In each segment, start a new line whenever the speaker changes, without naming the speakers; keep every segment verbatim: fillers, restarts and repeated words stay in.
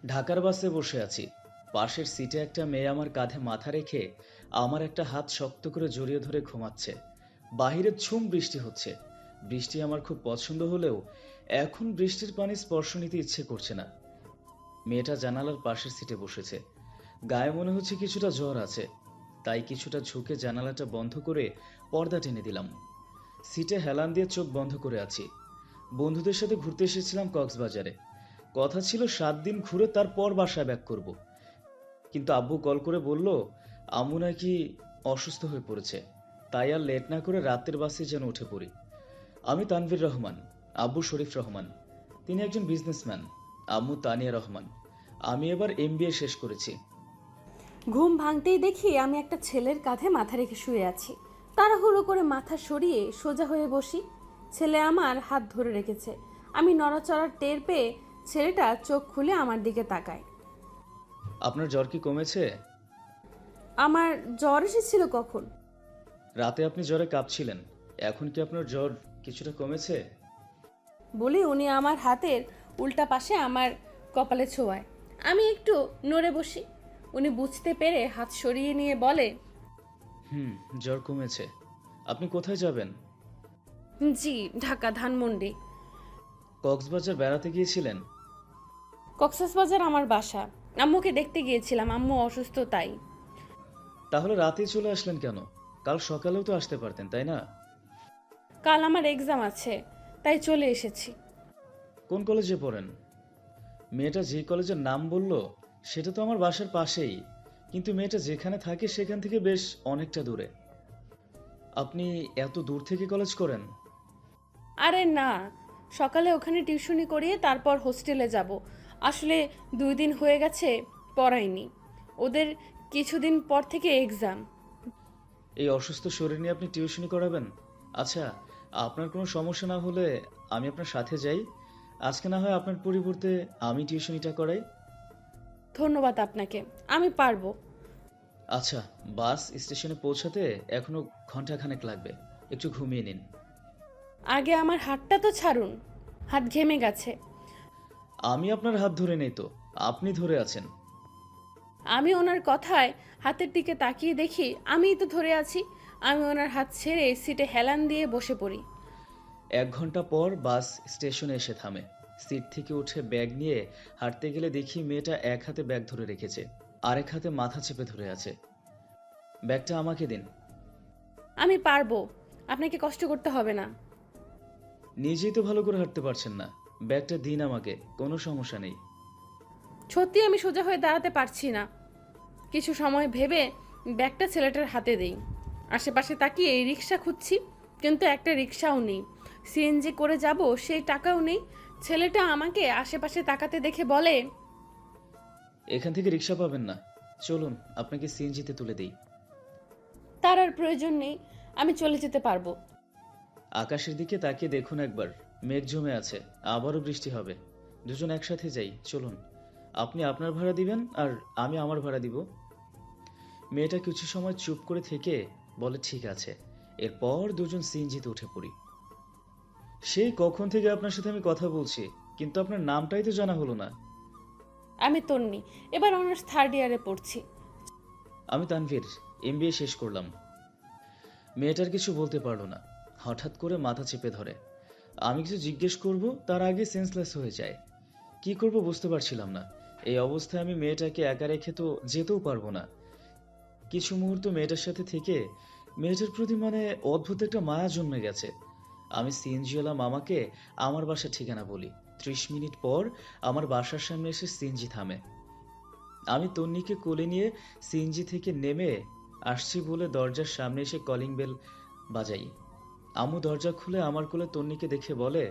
ঢাকার বাসে বসে আছি। পাশের সিটে একটা মেয়ে আমার কাঁধে মাথা রেখে আমার একটা হাত শক্ত করে জড়িয়ে ধরে ঘুমাচ্ছে। বাহিরে ঝুম বৃষ্টি হচ্ছে। বৃষ্টি আমার খুব পছন্দ হলেও এখন বৃষ্টির পানি স্পর্শ নিতে ইচ্ছে করছে না। মেয়েটা জানালার পাশের সিটে বসেছে। গায়ে মনে হচ্ছে কিছুটা জ্বর আছে, তাই কিছুটা ঝুঁকে জানালাটা বন্ধ করে পর্দা টেনে দিলাম। সিটে হেলান দিয়ে চোখ বন্ধ করে আছি। বন্ধুদের সাথে ঘুরতে এসেছিলাম কক্সবাজারে। কথা ছিল সাত দিন ঘুরে তারপর বাসায় ব্যাক করব। কিন্তু আব্বু কল করে বলল আম্মু নাকি অসুস্থ হয়ে পড়েছে, তাই আর লেট না করে রাতের বাসে যেন উঠে পড়ি। আমি তানভীর রহমান, আব্বু শরীফ রহমান। তিনি একজন বিজনেসম্যান। আম্মু তানিয়া রহমান। আমি এবার এমবিএ শেষ করেছি।
ঘুম ভাঙতেই দেখি আমি একটা ছেলের কাঁধে মাথা রেখে শুয়ে আছি। তাড়াহুড়ো করে মাথা সরিয়ে সোজা হয়ে বসি। ছেলে আমার হাত ধরে রেখেছে। আমি নড়াচড়ার টের পেয়ে ছেলেটা চোখ খুলে আমার দিকে তাকায়।
আপনার জ্বর কি কমেছে?
আমার জ্বর এসেছিল কখন?
রাতে আপনি জ্বরে কাঁপছিলেন। এখন কি আপনার জ্বর কিছুটা কমেছে?
বলে উনি আমার হাতের উল্টা পাশে আমার কপালে ছোঁয়ায়। আমি একটু নড়ে বসি। উনি বুঝতে পেরে হাত সরিয়ে নিয়ে বলে,
হুম, জ্বর কমেছে। আপনি কোথায় যাবেন?
জি, ঢাকা ধানমন্ডি।
কক্সবাজার বেড়াতে গিয়েছিলেন?
কক্সবাজার আমার বাসা। আম্মুকে দেখতে গিয়েছিলাম, আম্মু অসুস্থ তাই।
তাহলে রাতেই চলে আসলেন কেন? কাল সকালেও তো আসতে পারতেন, তাই না?
কাল আমার এক্সাম আছে, তাই চলে এসেছি।
কোন কলেজে পড়েন? মেয়েটা যে কলেজের নাম বলল সেটা তো আমার বাসার পাশেই, কিন্তু মেয়েটা যেখানে থাকে সেখান থেকে বেশ অনেকটা দূরে। আপনি এত দূর থেকে কলেজ করেন?
আরে না, সকালে ওখানে টিউশনি করিয়ে তারপর হোস্টেলে যাব। আসলে দুই দিন হয়ে গেছে পড়াইনি। ওদের কিছুদিন পর থেকে এক্সাম।
এই অসুস্থ শরীর নিয়ে আপনি টিউশনি করাবেন? আচ্ছা, আপনার কোনো সমস্যা না হলে আমি আপনার সাথে যাই। আজকে না হয় আপনার পরিবর্তে আমি টিউশনিটা করাই।
ধন্যবাদ আপনাকে, আমি পারবো।
আচ্ছা, বাস স্টেশনে পৌঁছাতে এখনো ঘন্টাখানেক লাগবে। একটু ঘুমিয়ে নিন।
আগে আমার হাতটা তো ছাড়ুন, হাত ঘেমে গেছে।
আমি আপনার হাত ধরে নেই তো, আপনি ধরে আছেন।
আমি ওনার কথায় হাতের দিকে তাকিয়ে দেখি আমিই তো ধরে আছি। আমি ওনার হাত ছেড়ে সিটে হেলান দিয়ে বসে পড়ি।
এক ঘন্টা পর বাস স্টেশনে এসে থামে। সিট থেকে উঠে ব্যাগ নিয়ে হাঁটতে গেলে দেখি মেয়েটা এক হাতে ব্যাগ ধরে রেখেছে, আরেক হাতে মাথা চেপে ধরে আছে। ব্যাগটা আমাকে দিন।
আমি পারবো, আপনাকে কষ্ট করতে হবে না।
নিজেই তো ভালো করে হাঁটতে পারছেন না, ব্যাগটা দিন আমাকে, কোনো সমস্যা নেই।
সত্যি আমি সোজা হয়ে দাঁড়াতে পারছি না। কিছু সময় ভেবে ব্যাগটা ছেলেটার হাতে দেই। আশেপাশে তাকিয়ে রিক্সা খুঁজছি, কিন্তু একটা রিক্সাও নেই। সিএনজি করে যাব সেই টাকাও নেই। ছেলেটা আমাকে আশেপাশে তাকাতে দেখে বলে,
এখান থেকে রিক্সা পাবেন না, চলুন আপনাকে সিএনজিতে তুলে দিই।
তার আর প্রয়োজন নেই, আমি চলে যেতে পারবো।
আকাশের দিকে তাকিয়ে দেখুন একবার, মেঘ জমে আছে, আবারও বৃষ্টি হবে। দুজন একসাথে যাই, চলুন। আপনি আপনার ভাড়া দিবেন আর আমি আমার ভাড়া দিব। মেয়েটা কিছু সময় চুপ করে থেকে বলে ঠিক আছে। এরপর দুজন সিএনজিতে উঠে পড়ি। সেই কখন থেকে আপনার সাথে আমি কথা বলছি, কিন্তু আপনার নামটাই তো জানা হলো না।
আমি তন্নি, এবার অনার্স থার্ড ইয়ারে পড়ছি।
আমি তানভীর, এমবিএ শেষ করলাম। মেয়েটার কিছু বলতে পারলো না, হঠাৎ করে মাথা চেপে ধরে। আমি কিছু জিজ্ঞেস করব তার আগে সেন্সলেস হয়ে যায়। কি করব বুঝতে পারছিলাম না। এই অবস্থায় আমি মেয়েটাকে একা রেখে তো যেতেও পারবো না। কিছু মুহূর্ত মেয়েটার সাথে থেকে মেয়েটার প্রতি মানে অদ্ভুত একটা মায়া জন্মে গেছে। আমি সিএনজিওয়ালা মামাকে আমার বাসার ঠিকানা বলি। ত্রিশ মিনিট পর আমার বাসার সামনে এসে সিএনজি থামে। আমি তন্নিকে কোলে নিয়ে সিএনজি থেকে নেমে আসছি বলে দরজার সামনে এসে কলিং বেল বাজাই। আম্মু দরজা খুলে আমার কোলে তন্নিকে দেখে বলে,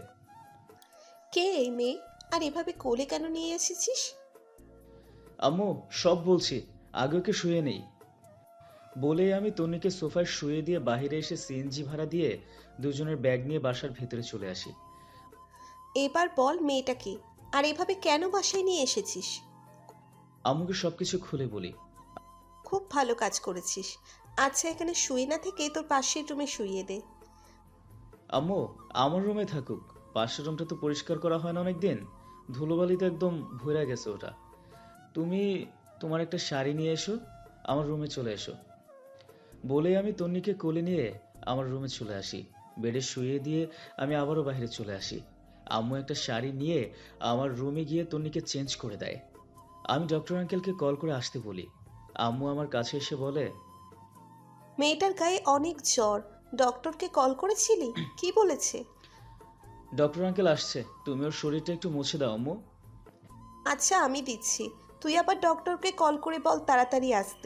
কে এই মেয়ে? আর এভাবে কোলে কেন নিয়ে এসেছিস?
আম্মু সব বলছি, আগে ওকে শুয়ে নেই। বলেই আমি তন্নিকে সোফায় শুয়ে দিয়ে বাহিরে এসে সিএনজি ভাড়া দিয়ে দুজনের ব্যাগ নিয়ে বাসার ভেতরে চলে আসি।
এবার বল মেয়েটাকে, আর এভাবে কেন বাসায় নিয়ে এসেছিস?
আম্মুকে সবকিছু খুলে বলি।
খুব ভালো কাজ করেছিস। আচ্ছা, এখানে শুয়ে না থেকে তোর পাশের রুমে শুইয়ে দে।
আম্মু আমার রুমে থাকুক, পাশের রুমটা তো পরিষ্কার করা হয় না অনেকদিন। ধুলোবালিতে একদম ভরে গেছে ওটা। তুমি তোমার একটা শাড়ি নিয়ে এসো, আমার রুমে চলে এসো। বলে আমি তন্নিকে কোলে নিয়ে আমার রুমে চলে আসি। বেডে শুইয়ে দিয়ে আমি আবারও বাইরে চলে আসি। আম্মু একটা শাড়ি নিয়ে আমার রুমে গিয়ে তন্নিকে চেঞ্জ করে দেয়। আমি ডক্টর আঙ্কেলকে কল করে আসতে বলি। আম্মু আমার কাছে এসে বলে,
মেয়েটার গায়ে অনেক জ্বর, ডক্টরকে কল করেছিলি? কি বলেছে?
ডক্টর আঙ্কেল আসছে, তুমি ওর শরীরটা একটু মুছে দাও আম্মু।
আচ্ছা আমি দিচ্ছি, তুই আবার ডক্টরকে কল করে বল তাড়াতাড়ি আসতে।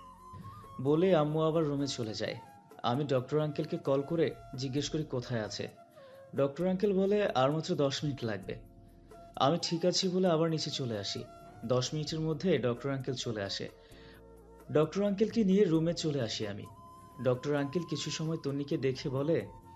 বলে আম্মু আবার রুমে চলে যায়। আমি ডক্টর আঙ্কেলকে কল করে জিজ্ঞেস করি কোথায় আছে। ডক্টর আঙ্কেল বলে আর মাত্র দশ মিনিট লাগবে। আমি ঠিক আছি বলে আবার নিচে চলে আসি। দশ মিনিটের মধ্যে ডক্টর আঙ্কেল চলে আসে। ডক্টর আঙ্কেলকে নিয়ে রুমে চলে আসি আমি। ডক্টর আঙ্কেল কিছু সময় তন্নিকে দেখে বলে,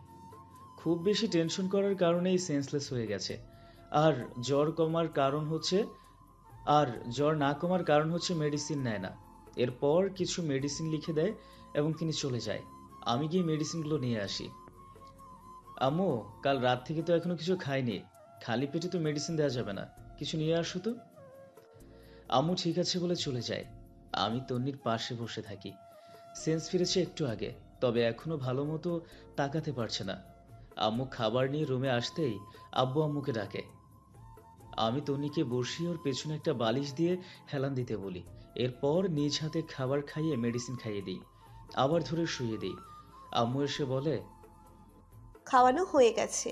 খুব বেশি টেনশন করার কারণেই সেন্সলেস হয়ে গেছে। আর জ্বর কমার কারণ হচ্ছে আর জ্বর না কমার কারণ হচ্ছে মেডিসিন নেয় না। এরপর কিছু মেডিসিন লিখে দেয় এবং তিনি চলে যায়। আমি গিয়ে মেডিসিনগুলো নিয়ে আসি। আম্মু, কাল রাত থেকে তো এখনো কিছু খাইনি, খালি পেটে তো মেডিসিন দেওয়া যাবে না, কিছু নিয়ে আসো তো। আম্মু ঠিক আছে বলে চলে যায়। আমি তন্নির পাশে বসে থাকি। সেন্স ফিরেছে একটু আগে, তবে এখনো ভালো মতো তাকাতে পারছে না। আম্মু খাবার নিয়ে রুমে আসতেই আব্বু আম্মুকে ডাকে। আমি তন্নিকে বসিয়ে ওর পেছনে একটা বালিশ দিয়ে হেলান দিতে বলি। এরপর নিজ হাতে খাবার খাইয়ে মেডিসিন খাইয়ে দিই, আবার ধরে শুইয়ে দিই। আম্মু এসে বলে,
খাওয়ানো হয়ে গেছে।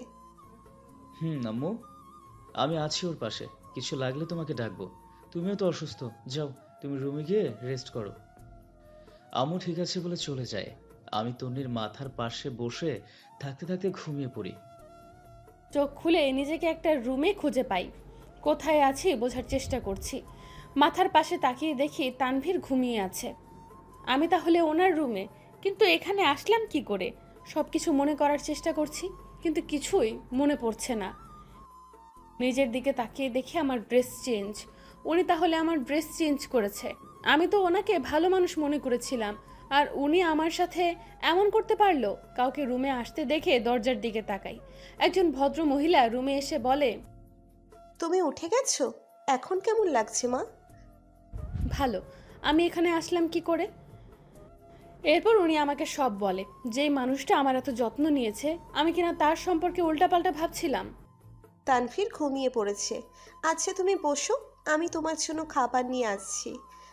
হুম আম্মু, আমি আছি ওর পাশে, কিছু লাগলে তোমাকে ডাকবো। তুমিও তো অসুস্থ, যাও তুমি রুমে গিয়ে রেস্ট করো। আম্মু ঠিক আছে বলে চলে যায়। আমি তন্নির মাথার পাশে বসে থাকতে থাকতে ঘুমিয়ে পড়ি।
চোখ খুলে নিজেকে একটা রুমে খুঁজে পাই। কোথায় আছি বোঝার চেষ্টা করছি। মাথার পাশে তাকিয়ে দেখি তানভীর ঘুমিয়ে আছে। আমি তাহলে ওনার রুমে, কিন্তু এখানে আসলাম কি করে? সব কিছু মনে করার চেষ্টা করছি, কিন্তু কিছুই মনে পড়ছে না। নিজের দিকে তাকিয়ে দেখি আমার ড্রেস চেঞ্জ। উনি তাহলে আমার ড্রেস চেঞ্জ করেছে। আমি তো ওনাকে ভালো মানুষ মনে করেছিলাম, আর উনি আমার সাথে এমন করতে পারলো? কাউকে রুমে আসতে দেখে দরজার দিকে তাকাই। একজন ভদ্র মহিলা রুমে এসে বলে,
তুমি উঠে গেছো? এখন কেমন লাগছে মা?
ভালো। আমি এখানে আসলাম কি করে? এরপর উনি আমাকে সব বলে। যেই মানুষটা আমার এত যত্ন নিয়েছে, আমি কিনা তার সম্পর্কে উল্টাপাল্টা ভাবছিলাম।
তানভীর ঘুমিয়ে পড়েছে। আচ্ছা তুমি বসো, আমি তোমার জন্য খাবার নিয়ে আসছি।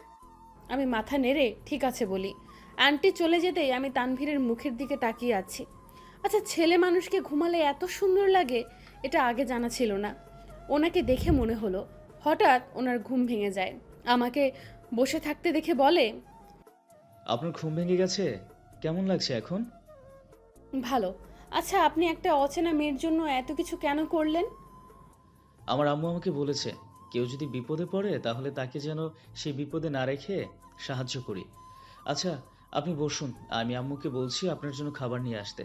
আমি মাথা নেড়ে ঠিক আছে বলি। আন্টি চলে যেতেই আমি তানভীরের মুখের দিকে তাকিয়ে আছি। আচ্ছা, ছেলে মানুষকে ঘুমালে এত সুন্দর লাগে, এটা আগে জানা ছিল না। ওনাকে দেখে মনে হলো। হঠাৎ ওনার ঘুম ভেঙে যায়। আমাকে বসে থাকতে দেখে বলে,
আপনার ঘুম ভেঙে গেছে? কেমন লাগছে এখন?
ভালো। আচ্ছা, আপনি একটা অচেনা মেয়ের জন্য এত কিছু কেন করলেন?
আমার আম্মু আমাকে বলেছে, কেউ যদি বিপদে পড়ে তাহলে তাকে যেন সেই বিপদে না রেখে সাহায্য করি। আচ্ছা, আপনি বসুন, আমি আম্মুকে বলছি আপনার জন্য খাবার নিয়ে আসতে।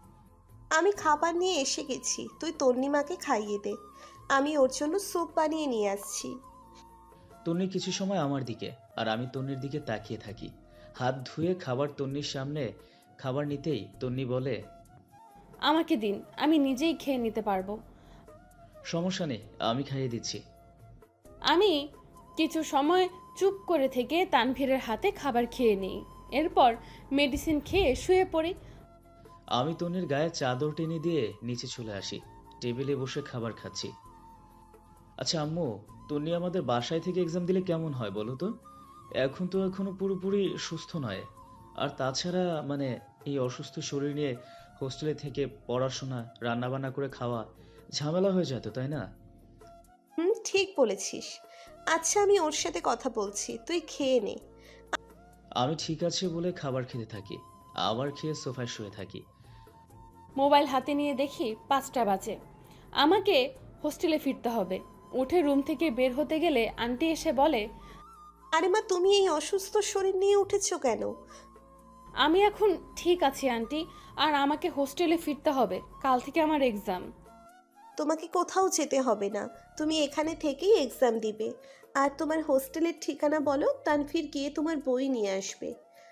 আমি খাবার নিয়ে এসে গেছি, তুই তন্নিমাকে খাইয়ে দে। আমি ওর জন্য স্যুপ বানিয়ে নিয়ে আসছি।
তন্নি কিছু সময় আমার দিকে আর আমি তন্নির দিকে তাকিয়ে থাকি। হাত ধুয়ে খাবার তন্নির সামনে খাবার নিতেই তন্নি বলে,
আমাকে দিন, আমি নিজেই খেয়ে নিতে পারবো।
সমস্যা নেই, আমি খাইয়ে দিচ্ছি।
আমি কিছু সময় চুপ করে থেকে তানভীরের হাতে খাবার খেয়ে নিই। এরপর মেডিসিন খেয়ে শুয়ে পড়ি।
আমি তন্নির গায়ে চাদর টেনে দিয়ে নিচে চলে আসি। টেবিলে বসে খাবার খাচ্ছি। আচ্ছা আম্মু, তন্নি আমাদের বাসায় থেকে এক্সাম দিলে কেমন হয় বলো তো? এখন তো এখনো পুরোপুরি সুস্থ নয়। আর তাছাড়া মানে এই অসুস্থ শরীর নিয়ে হোস্টেলে থেকে পড়াশোনা, রান্নাবান্না করে খাওয়া ঝামেলা হয়ে যেত, তাই না?
হুম, ঠিক বলেছিস। আচ্ছা আমি ওর সাথে কথা বলছি, তুই খেয়ে নে।
আমি ঠিক আছে বলে খাবার খেতে থাকি, আবার খেয়ে সোফায় শুয়ে থাকি।
মোবাইল হাতে নিয়ে দেখি পাঁচটা বাজে। আমাকে হোস্টেলে ফিরতে হবে। উঠে রুম থেকে বের হতে গেলে আন্টি এসে বলে,
আরে মা, তুমি এই অসুস্থ শরীর নিয়ে উঠেছো কেন?
আমি এখন ঠিক আছি আন্টি, আর আমাকে হোস্টেলে ফিরতে হবে। কাল থেকে আমার এক্সাম।
তোমাকে কোথাও যেতে হবে না, তুমি এখানে থেকেই এক্সাম দিবে। আর তোমার হোস্টেলের ঠিকানা বলো, তানভীর গিয়ে তোমার বই নিয়ে আসবে।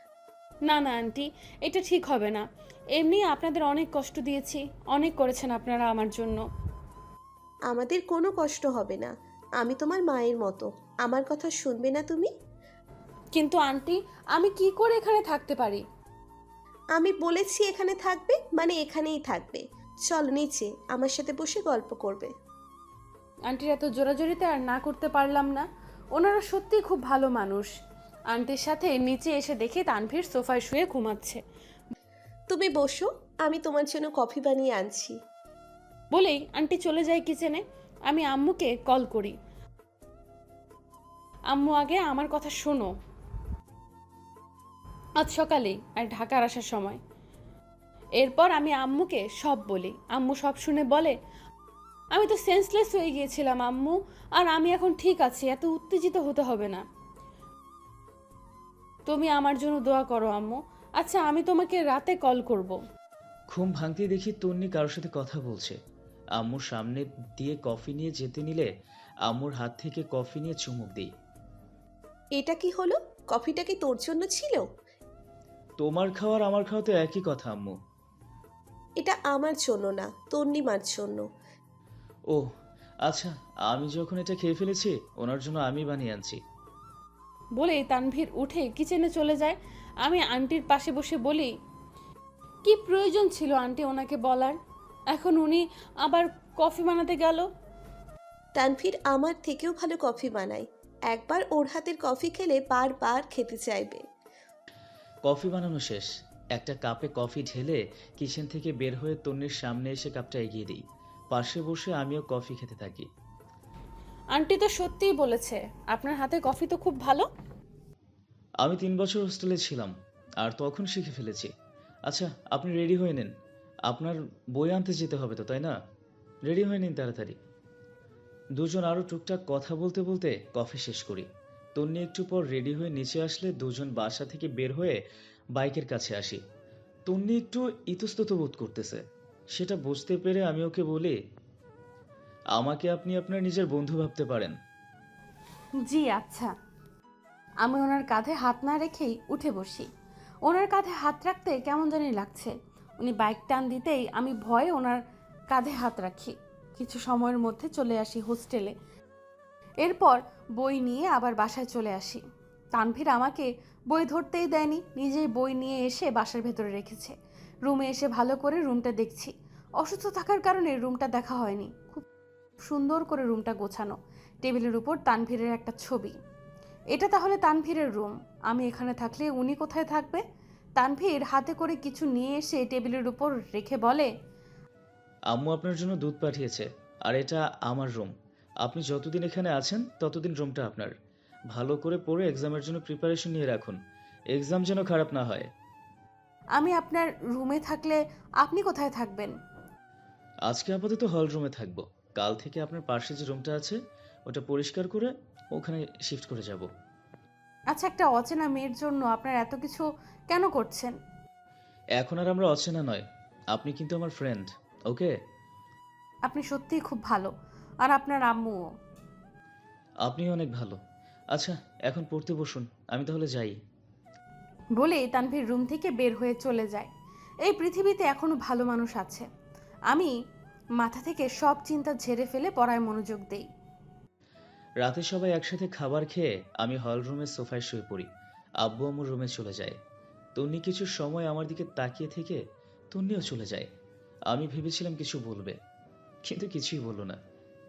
না না আন্টি, এটা ঠিক হবে না। এমনি আপনাদের অনেক কষ্ট দিয়েছি, অনেক করেছেন আপনারা আমার জন্য।
আমাদের কোনো কষ্ট হবে না, আমি তোমার মায়ের মতো, আমার কথা শুনবে না তুমি?
কিন্তু আন্টি, আমি কি করে এখানে থাকতে পারি?
আমি বলেছি এখানে থাকবে মানে এখানেই থাকবে। চল নিচে, আমার সাথে বসে গল্প করবে।
আন্টির এত জোরাজোরিতে আর না করতে পারলাম না। ওনারা সত্যিই খুব ভালো মানুষ। আন্টির সাথে নিচে এসে দেখি তানভীর সোফায় শুয়ে ঘুমাচ্ছে।
তুমি বসো, আমি তোমার জন্য কফি বানিয়ে আনছি।
বলেই আন্টি চলে যায় কিচেনে। আমি আম্মুকে কল করি। আম্মু, আগে আমার কথা শোনো। আজ সকালেই আর ঢাকার আসার সময়। এরপর আমি আম্মুকে সব বলি। আম্মু সব শুনে বলে, আমি তো সেন্সলেস হয়ে গিয়েছিলাম আম্মু, আর আমি এখন ঠিক আছি, এত উত্তেজিত হতে হবে না। তুমি আমার জন্য দোয়া করো আম্মু। আচ্ছা, আমি তোমাকে রাতে কল করব।
ঘুম ভাঙতেই দেখি তন্নি কারোর সাথে কথা বলছে। আম্মুর সামনে দিয়ে কফি নিয়ে যেতে নিলে আম্মুর হাত থেকে কফি নিয়ে চুমুক দিই।
এটা কি হলো? কফিটা কি তোর জন্য ছিল?
তোমার খাওয়ার আমার খাওয়া তো একই কথা আম্মু।
এটা আমার জন্য না, তন্নিমার জন্য।
ও আচ্ছা, আমি যখন এটা খেয়ে ফেলেছি ওনার জন্য আমি বানিয়ে আনছি।
বলেই তানভীর উঠে কিচেনে চলে যায়। আমি আন্টির পাশে বসে বলি, কি প্রয়োজন ছিল আন্টি ওনাকে বলার? এখন উনি আবার কফি বানাতে গেল।
তানভীর আমার থেকেও ভালো কফি বানায়। একবার ওর হাতের কফি খেলে বারবার খেতে চাইবে।
কফি বানানো শেষ। একটা কাপে কফি ঢেলে কিচেন থেকে বের হয়ে তন্নির সামনে এসে কাপটা এগিয়ে দিই। পাশে বসে আমিও কফি খেতে থাকি।
আন্টি তো সত্যিই বলেছে আপনার হাতে কফি তো খুব ভালো।
আমি তিন বছর হোস্টেলে ছিলাম আর তখন শিখে ফেলেছি। আচ্ছা, আপনি রেডি হয়ে নিন, আপনার বই আনতে যেতে হবে তো, তাই না? রেডি হয়ে নিন তাড়াতাড়ি। দুজন আরও টুকটাক কথা বলতে বলতে কফি শেষ করি। তন্নি একটু পর রেডি হয়ে নিচে আসলে দুজন বাসা থেকে বের হয়ে বাইকের কাছে আসি। তন্নি একটু ইতস্তত বোধ করতেছে। সেটা বুঝতে পেরে আমি ওকে বলি, আমাকে আপনি আপনার নিজের বন্ধু ভাবতে পারেন।
জি আচ্ছা। আমি ওনার কাঁধে হাত না রেখেই উঠে বসি। ওনার কাঁধে হাত রাখতে কেমন জানি লাগছে। উনি বাইক টান দিতেই আমি ভয়ে ওনার কাঁধে হাত রাখি। কিছু সময়ের মধ্যে চলে আসি হোস্টেলে। এরপর বই নিয়ে আবার বাসায় চলে আসি। তানভীর আমাকে বই ধরতেই দেয়নি, নিজেই বই নিয়ে এসে বাসার ভেতরে রেখেছে। রুমে এসে ভালো করে রুমটা দেখছি। অসুস্থ থাকার কারণে রুমটা দেখা হয়নি। খুব সুন্দর করে রুমটা গোছানো। টেবিলের উপর তানভীরের একটা ছবি। এটা তাহলে তানভীরের রুম। আমি এখানে থাকলে উনি কোথায় থাকবে? তানভীর হাতে করে কিছু নিয়ে এসে টেবিলের উপর রেখে বলে,
আম্মু আপনার জন্য দুধ পাঠিয়েছে, আর এটা আমার রুম। আপনি যতদিন এখানে আছেন ততদিন রুমটা আপনার। ভালো করে পড়ে এক্সামের জন্য প্রিপারেশন নিয়ে রাখুন, এক্সাম যেন খারাপ না হয়।
আমি আপনার রুমে থাকলে আপনি কোথায় থাকবেন?
আজকে আপাতত হল রুমে থাকবো। কাল থেকে আপনার পাশে যে রুমটা আছে ওটা পরিষ্কার করে ওখানে শিফট করে যাব।
আচ্ছা, একটা অচেনা মেয়ের জন্য আপনার এত কিছু কেন করছেন?
এখন আর আমরা অচেনা নয়, আপনি কিন্তু আমার ফ্রেন্ড, ওকে?
আপনি সত্যিই খুব ভালো, আর আপনার আম্মুও।
আপনি অনেক ভালো। আচ্ছা, এখন পড়তে বসুন, আমি তাহলে যাই।
বলে তানভীর রুম থেকে বের হয়ে চলে যায়। এই পৃথিবীতে এখনো ভালো মানুষ আছে। আমি মাথা থেকে সব চিন্তা ঝেড়ে ফেলে পড়ায় মনোযোগ দেই।
রাতে সবাই একসাথে খাবার খেয়ে আমি হল রুমের সোফায় শুয়ে পড়ি। আব্বু আমার রুমে চলে যায়। তন্নি কিছু সময় আমার দিকে তাকিয়ে থেকে তন্নিও চলে যায়। আমি ভেবেছিলাম কিছু বলবে, কিন্তু কিছুই বললো না।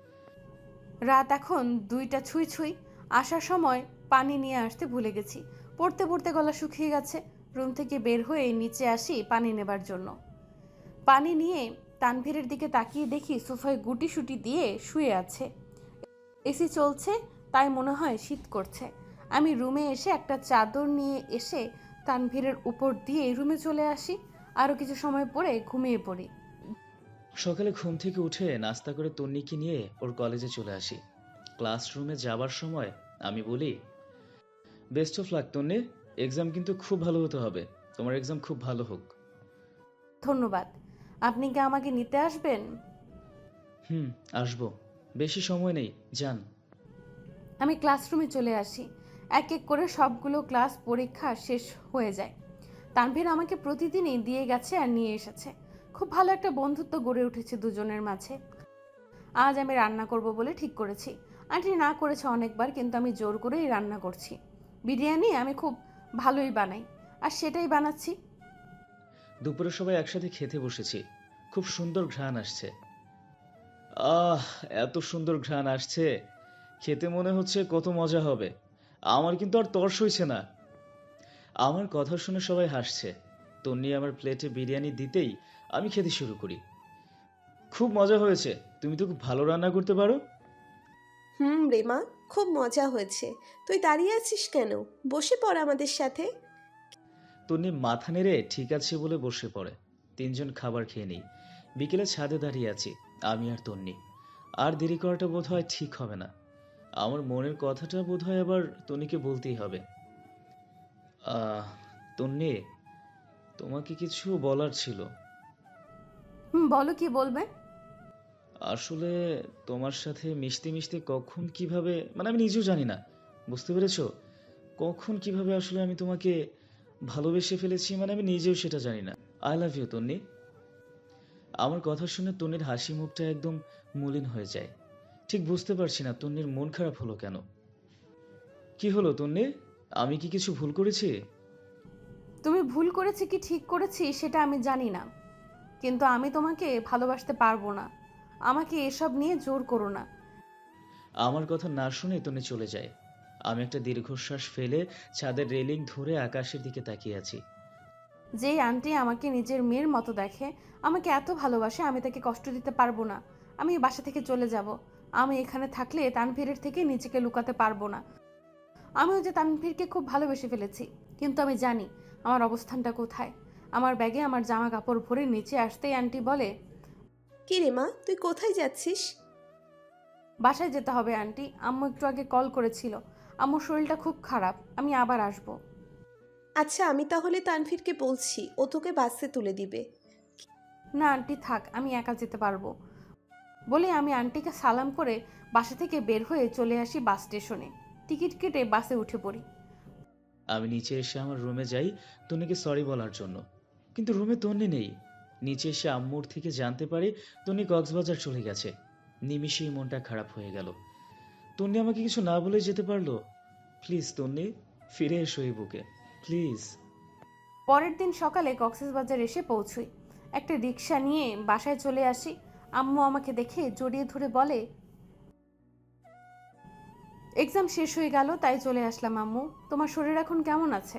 রাত এখন দুইটা ছুঁই ছুঁই। আসার সময় পানি নিয়ে আসতে ভুলে গেছি। পড়তে পড়তে গলা শুকিয়ে গেছে। রুম থেকে বের হয়ে নিচে আসি পানি নেবার জন্য। পানি নিয়ে তানভীরের দিকে তাকিয়ে দেখি সোফায় গুটি সুটি দিয়ে শুয়ে আছে। এসি চলছে, তাই মনে হয় শীত করছে। আমি রুমে এসে একটা চাদর নিয়ে এসে তানভীরের উপর দিয়ে রুমে চলে আসি। আরও কিছু সময় পরে ঘুমিয়ে পড়ি।
সকালে ঘুম থেকে উঠে নাস্তা করে তন্নিকে নিয়ে ওর কলেজে চলে আসি। ক্লাসরুমে যাবার সময় আমি বলি, best of luck Tonni, exam কিন্তু খুব ভালো হতে হবে। তোমার এক্সাম খুব ভালো হোক।
ধন্যবাদ। আপনি কি আমাকে নিতে আসবেন?
হুম, আসবো। বেশি সময় নেই, যান।
আমি ক্লাসরুমে চলে আসি। এক এক করে সবগুলো ক্লাস পরীক্ষা শেষ হয়ে যায়। তানভীর আমাকে প্রতিদিনই দিয়ে গেছে আর নিয়ে এসেছে। খুব ভালো একটা বন্ধুত্ব গড়ে উঠেছে দুজনের মাঝে। আজ আমি রান্না করব বলে ঠিক করেছি। আন্টি না করেছে অনেকবার, কিন্তু আমি জোর করেই রান্না করছি। বিরিয়ানি আমি খুব ভালোই বানাই, আর সেটাই বানাচ্ছি।
দুপুরে সবাই একসাথে খেতে বসেছি। খুব সুন্দর ঘ্রাণ আসছে। আহ, এত সুন্দর ঘ্রাণ আসছে, খেতে মনে হচ্ছে কত মজা হবে। আমার কিন্তু আর তর সইছে না। আমার কথা শুনে সবাই হাসছে। তন্নি আমার প্লেটে বিরিয়ানি দিতেই আমি খেতে শুরু করি। খুব মজা হয়েছে, তুমি তো খুব ভালো রান্না করতে পারো।
হুম রেমা, খুব মজা হয়েছে। তুই দাঁড়িয়ে আছিস কেন? বসে পড় আমাদের সাথে।
তন্নি মাথা নেড়ে ঠিক আছে বলে বসে পড়ে। তিনজন খাবার খেয়ে নিই। বিকেলে ছাদে দাঁড়িয়ে আছি, আমি আর তন্নি। আর দেরি করাটা বোধ হয় ঠিক হবে না। আমার মনের কথাটা বোধ হয় আবার তন্নিকে বলতেই হবে। আহ তন্নি, তোমাকে কিছু বলার ছিল।
হুম, বলো কি বলবে।
আসলে তোমার সাথে মিশতে মিশতে কখন কিভাবে, মানে আমি নিজেও জানি না, বুঝতে পেরেছো? কখন কিভাবে আসলে আমি তোমাকে ভালোবেসে ফেলেছি, মানে আমি নিজেও সেটা জানি না। I love you Tonni. আমার কথা শুনে তন্নির হাসি মুখটা একদম মলিন হয়ে যায়। ঠিক বুঝতে পারছি না তন্নির মন খারাপ হলো কেন। কি হলো তন্নি, আমি কি কিছু ভুল করেছি?
তুমি ভুল করেছি কি ঠিক করেছি সেটা আমি জানি না, কিন্তু আমি তোমাকে ভালোবাসতে পারবো না। আমাকে এসব নিয়ে জোর করো না।
আমার কথা না শুনে তন্নি চলে যায়। আমি একটা দীর্ঘশ্বাস ফেলে ছাদের রেলিং ধরে আকাশের দিকে তাকিয়ে আছি।
যেই আন্টি আমাকে নিজের মেয়ের মতো দেখে, আমাকে এত ভালোবাসে, আমি তাকে কষ্ট দিতে পারবো না। আমি এই বাসা থেকে চলে যাব। আমি এখানে থাকলে তানভীরের থেকে নিজেকে লুকাতে পারবো না। আমিও যে তানভীরকে খুব ভালোবেসে ফেলেছি, কিন্তু আমি জানি আমার অবস্থানটা কোথায়। আমার ব্যাগে আমার জামা কাপড় ভরে নিচে আসতেই আন্টি বলে,
কি রেমা, তুই কোথায় যাচ্ছিস?
বাসায় যেতে হবে আন্টি। আম্মু একটু আগে কল করেছিল, আম্মুর শরীরটা খুব খারাপ, আমি আবার আসবো।
আচ্ছা, আমি তাহলে তানভীরকে বলছি, ও তোকে বাসে তুলে দিবে।
না আন্টি থাক, আমি একা যেতে পারবো। বলে আমি আন্টিকে সালাম করে বাসা থেকে বের হয়ে চলে আসি বাস স্টেশনে। টিকিট কেটে বাসে উঠে পড়ি।
আমি নিচে এসে আমার রুমে যাই তন্নিকে সরি বলার জন্য, কিন্তু রুমে তন্নি নেই। নিচে এসে আম্মুর থেকে জানতে পারি তন্নি কক্সবাজার চলে গেছে। নিমিষেই মনটা খারাপ হয়ে গেল। তন্নি আমাকে কিছু না বলে যেতে পারলো? প্লিজ তন্নি, ফিরে এসো এই বুকে, প্লিজ।
পরের দিন সকালে কক্সবাজার এসে পৌঁছই। একটা রিক্সা নিয়ে বাসায় চলে আসি। আম্মু আমাকে দেখে জড়িয়ে ধরে বলে, এক্সাম শেষ হয়ে গেল তাই চলে আসলাম আম্মু, তোমার শরীর এখন কেমন আছে?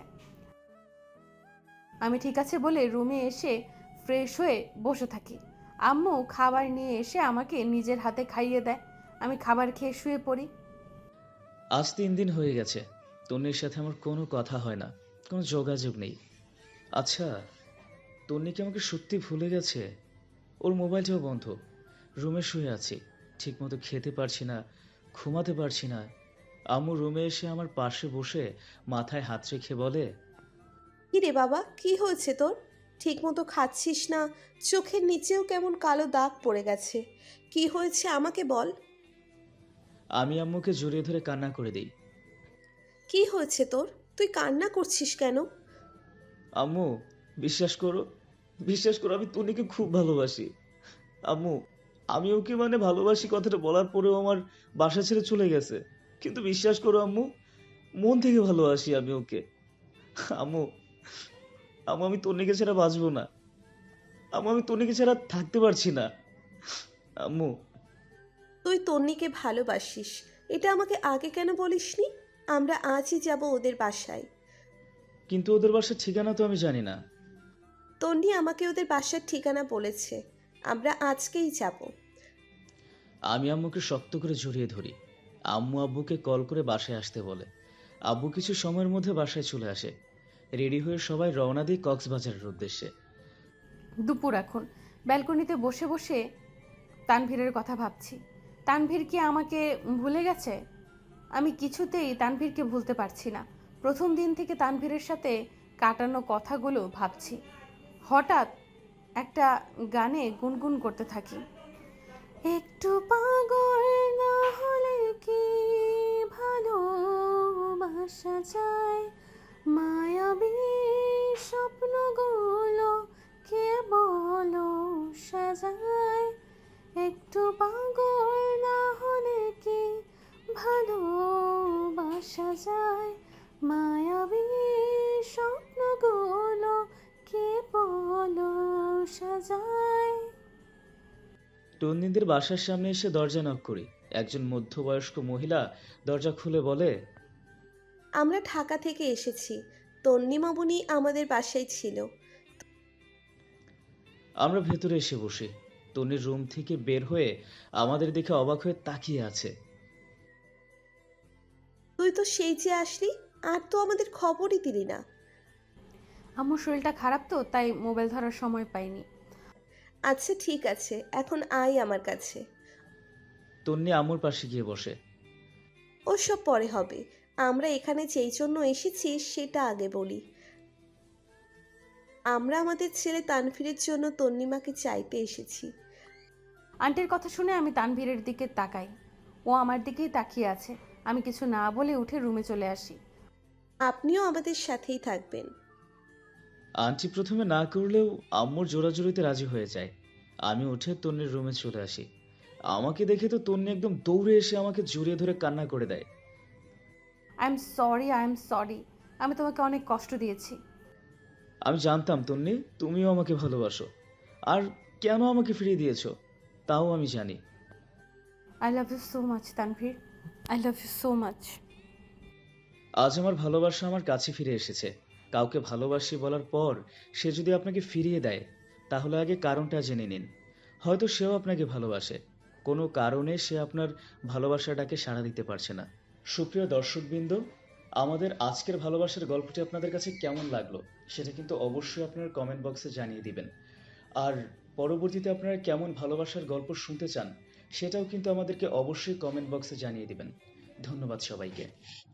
আমি ঠিক আছে বলে রুমে এসে ফ্রেশ হয়ে বসে থাকি। আম্মু খাবার নিয়ে এসে আমাকে নিজের হাতে খাইয়ে দেয়। আমি খাবার খেয়ে শুয়ে পড়ি।
আজ তিন দিন হয়ে গেছে তন্নির সাথে আমার কোনো কথা হয় না, কোনো যোগাযোগ নেই। আচ্ছা, তন্নি কি আমাকে সত্যি ভুলে গেছে? ওর মোবাইলটাও বন্ধ। রুমে শুয়ে আছি, ঠিকমতো খেতে পারছি না, ঘুমাতে পারছি না। আম্মু রুমে এসে আমার পাশে বসে মাথায় হাত রেখে বলে,
কি রে বাবা, কি হয়েছে তোর? ঠিক মতো খাচ্ছিস না, চোখের নিচেও কেমন কালো দাগ পড়ে গেছে। কি হয়েছে আমাকে বল।
আমি আম্মুকে জড়িয়ে ধরে কান্না করে দিই।
কি হয়েছে তোর? তুই কান্না করছিস কেন?
আম্মু, বিশ্বাস করো, বিশ্বাস করো, আমি তন্নিকে খুব ভালোবাসি। আম্মু, আমি ওকে মানে ভালোবাসি কথাটা বলার পরেও আমার বাসা ছেড়ে চলে গেছে। কিন্তু বিশ্বাস করো আম্মু, মন থেকে ভালোবাসি আমি ওকে। আম্মু, আম্মু আমি তন্নিকে ছাড়া বাঁচবো না। আম্মু আমি তন্নিকে ছাড়া থাকতে পারছি না। আম্মু।
তুই তন্নিকে ভালোবাসিস, এটা আমাকে আগে কেন বলিসনি? আমরা আজই যাব ওদের বাসায়।
কিন্তু ওদের বাসার ঠিকানা তো আমি জানি না।
তন্নি আমাকে ওদের বাসার ঠিকানা বলেছে, আমরা আজকেই যাব।
আমি আম্মুকে শক্ত করে জড়িয়ে ধরি। আম্মু আব্বুকে কল করে বাসায় আসতে বলে। আব্বু কিছু সময়ের মধ্যে বাসায় চলে আসে। রেডি হয়ে সবাই রওনা দিই কক্সবাজারের উদ্দেশ্যে।
দুপুর এখন। ব্যালকনিতে বসে বসে তানভীরের কথা ভাবছি। তানভীর কি আমাকে ভুলে গেছে? আমি কিছুতেই তানভীরকে ভুলতে পারছি না। প্রথম দিন থেকে তানভীরের সাথে কাটানো কথাগুলো ভাবছি। হঠাৎ একটা গানে গুনগুন করতে থাকি, একটু পাগল না হলে কি ভালোবাসা যায়, মায়াবী স্বপ্নগুলো কে বলো সাজায়, একটু পাগল না হলে কি ভালোবাসা যায়, মায়াবী স্বপ্নগুলো কে বলো সাজায়।
তন্নিদের বাসার সামনে এসে দরজা নক করি। একজন মধ্যবয়স্ক মহিলা দরজা খুলে বলে,
আমরা ঢাকা থেকে এসেছি, তন্নিমামুনি আমাদের বাসায় ছিল।
আমরা ভেতরে এসে বসি। তন্নির রুম থেকে বের হয়ে আমাদের দেখে অবাক হয়ে তাকিয়ে আছে।
তুই তো সেই যে আসলি, আর তো আমাদের খবরই দিলি না।
আমার শরীরটা খারাপ তো, তাই মোবাইল ধরার সময় পাইনি।
আচ্ছা ঠিক আছে, এখন আয় আমার কাছে।
তন্নি আম্মুর পাশে গিয়ে বসে।
ওসব পরে হবে, আমরা এখানে যেই জন্য এসেছি সেটা আগে বলি। আমরা আমাদের ছেলে তানভীরের জন্য তন্নিমাকে চাইতে এসেছি।
আন্টির কথা শুনে আমি তানভীরের দিকে তাকাই। ও আমার দিকেই তাকিয়ে আছে। আমি কিছু না বলে উঠে রুমে চলে আসি।
আপনিও আমাদের সাথেই থাকবেন।
আন্টি প্রথমে না করলেও আম্মুর জোরাজুরিতে রাজি হয়ে যায়। আমি উঠে তন্নির রুমে চলে আসি। আমাকে দেখে তো তন্নি একদম দৌড়ে এসে আমাকে জড়িয়ে ধরে কান্না করে দেয়।
I am sorry, I am sorry. আমি তোমাকে অনেক কষ্ট দিয়েছি।
আমি জানতাম তন্নি তুমিও আমাকে ভালোবাসো, আর কেন আমাকে ফিরিয়ে দিয়েছো তাও আমি জানি।
I love you so much Tanvir, I love you so much.
আজ আমার ভালোবাসা আমার কাছে ফিরে এসেছে। কাউকে ভালোবাসি বলার পর সে যদি আপনাকে ফিরিয়ে দেয়, তাহলে আগে কারণটা জেনে নিন। হয়তো সেও আপনাকে ভালোবাসে, কোনো কারণে সে আপনার ভালোবাসাটাকে সাড়া দিতে পারছে না। সুপ্রিয় দর্শকবৃন্দ, আমাদের আজকের ভালোবাসার গল্পটি আপনাদের কাছে কেমন লাগলো সেটা কিন্তু অবশ্যই আপনার কমেন্ট বক্সে জানিয়ে দিবেন। আর পরবর্তীতে আপনারা কেমন ভালোবাসার গল্প শুনতে চান সেটাও কিন্তু আমাদেরকে অবশ্যই কমেন্ট বক্সে জানিয়ে দিবেন। ধন্যবাদ সবাইকে।